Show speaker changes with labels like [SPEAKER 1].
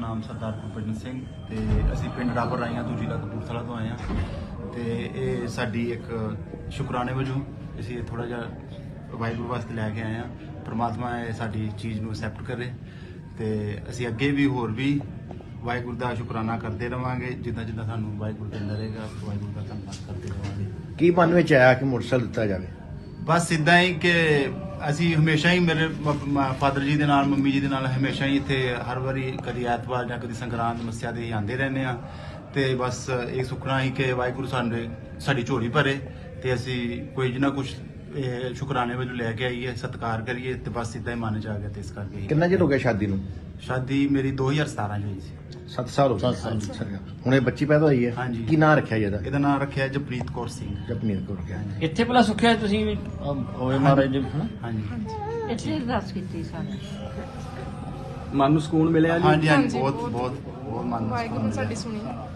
[SPEAKER 1] ਨਾਮ ਸਰਦਾਰ ਭੁਪਿੰਦਰ ਸਿੰਘ ਤੇ ਅਸੀਂ ਪਿੰਡ ਰਾਪਰ ਰਾਈਆਂ ਤੋਂ ਜ਼ਿਲ੍ਹਾ ਕਪੂਰਥਲਾ ਤੋਂ ਆਏ ਹਾਂ ਤੇ ਇਹ ਸਾਡੀ ਇੱਕ ਸ਼ੁਕਰਾਨੇ ਵਜੋਂ ਅਸੀਂ ਇਹ ਥੋੜਾ ਜਿਹਾ ਵਾਹਿਗੁਰੂ ਵਾਸਤੇ ਲੈ ਕੇ ਆਏ ਹਾਂ। ਪ੍ਰਮਾਤਮਾ ਇਹ ਸਾਡੀ ਚੀਜ਼ ਨੂੰ ਐਕਸੈਪਟ ਕਰੇ ਤੇ ਅਸੀਂ ਅੱਗੇ ਵੀ ਹੋਰ ਵੀ ਵਾਹਿਗੁਰੂ ਦਾ ਸ਼ੁਕਰਾਨਾ ਕਰਦੇ ਰਵਾਂਗੇ। ਜਿੱਦਾਂ ਜਿੱਦਾਂ ਸਾਨੂੰ ਵਾਹਿਗੁਰੂ ਦਿੰਦਾ ਰਹੇਗਾ ਵਾਹਿਗੁਰੂ ਦਾ ਧੰਨਵਾਦ ਕਰਦੇ ਰਵਾਂਗੇ।
[SPEAKER 2] ਕੀ ਮਨ ਵਿੱਚ ਆਇਆ ਕਿ ਮੋਟਰਸਾਈਕਲ ਦਿੱਤਾ ਜਾਵੇ?
[SPEAKER 1] ਬਸ ਇਦਾਂ ਹੀ ਕਿ ਅਸੀਂ ਹਮੇਸ਼ਾ ਹੀ ਮੇਰੇ ਫਾਦਰ ਜੀ ਦੇ ਨਾਲ ਮੰਮੀ ਜੀ ਦੇ ਨਾਲ ਹਮੇਸ਼ਾ ਹੀ ਇੱਥੇ ਹਰ ਵਾਰੀ ਕਦੀ ਐਤਵਾਰ ਜਾਂ ਕਦੀ ਸੰਗਰਾਂਦ ਮੱਸਿਆ ਦੇ ਆਉਂਦੇ ਰਹਿੰਦੇ ਆ ਤੇ ਬਸ ਇਹ ਸੁਖਣਾ ਹੀ ਕਿ ਵਾਹਿਗੁਰੂ ਸਾਡੀ ਝੋਲੀ ਭਰੇ ਤੇ ਅਸੀਂ ਕੋਈ ਨਾ ਕੁਝ ਸ਼ੁਕਰਾਨੇ ਵਜੋਂ ਲੈ ਕੇ ਆਈਏ, ਸਤਿਕਾਰ ਕਰੀਏ ਤੇ ਬਸ ਇਦਾਂ ਹੀ ਮਨ ਚ ਆ ਗਿਆ ਤੇ ਇਸ ਕਰਕੇ।
[SPEAKER 2] ਕਿੰਨਾ ਚਿਰ ਹੋ ਗਿਆ ਸ਼ਾਦੀ ਨੂੰ?
[SPEAKER 1] ਸ਼ਾਦੀ ਮੇਰੀ 2017 ਚ ਹੋਈ ਸੀ।
[SPEAKER 2] 7 ਸਾਲ ਹੋ ਗਏ। ਹੁਣ ਇਹ ਬੱਚੀ ਪੈਦਾ ਹੋਈ ਹੈ?
[SPEAKER 1] ਹਾਂਜੀ।
[SPEAKER 2] ਕੀ ਨਾਂ ਰੱਖਿਆ ਇਹਦਾ?
[SPEAKER 1] ਇਹਦਾ ਨਾਮ ਰੱਖਿਆ ਜਪਨੀਤ ਕੌਰ ਸਿੰਘ।
[SPEAKER 2] ਜਪਨੀਤ ਕੌਰ ਰੱਖਿਆ।
[SPEAKER 3] ਇੱਥੇ ਭਲਾ ਸੁੱਖਿਆ ਤੁਸੀਂ ਵੀ ਹੋਏ ਮਹਾਰਾਜ ਜੀ?
[SPEAKER 1] ਹਾਂਜੀ
[SPEAKER 4] ਇੱਥੇ ਅਰਦਾਸ ਕੀਤੀ ਸਾਨੂੰ।
[SPEAKER 3] ਮਨ ਨੂੰ ਸਕੂਨ ਮਿਲਿਆ ਜੀ?
[SPEAKER 1] ਹਾਂਜੀ ਬਹੁਤ ਬਹੁਤ ਬਹੁਤ ਮਨ ਨੂੰ
[SPEAKER 5] ਵਾਹਿਗੁਰੂ ਨੇ ਸਾਡੀ ਸੁਣੀ।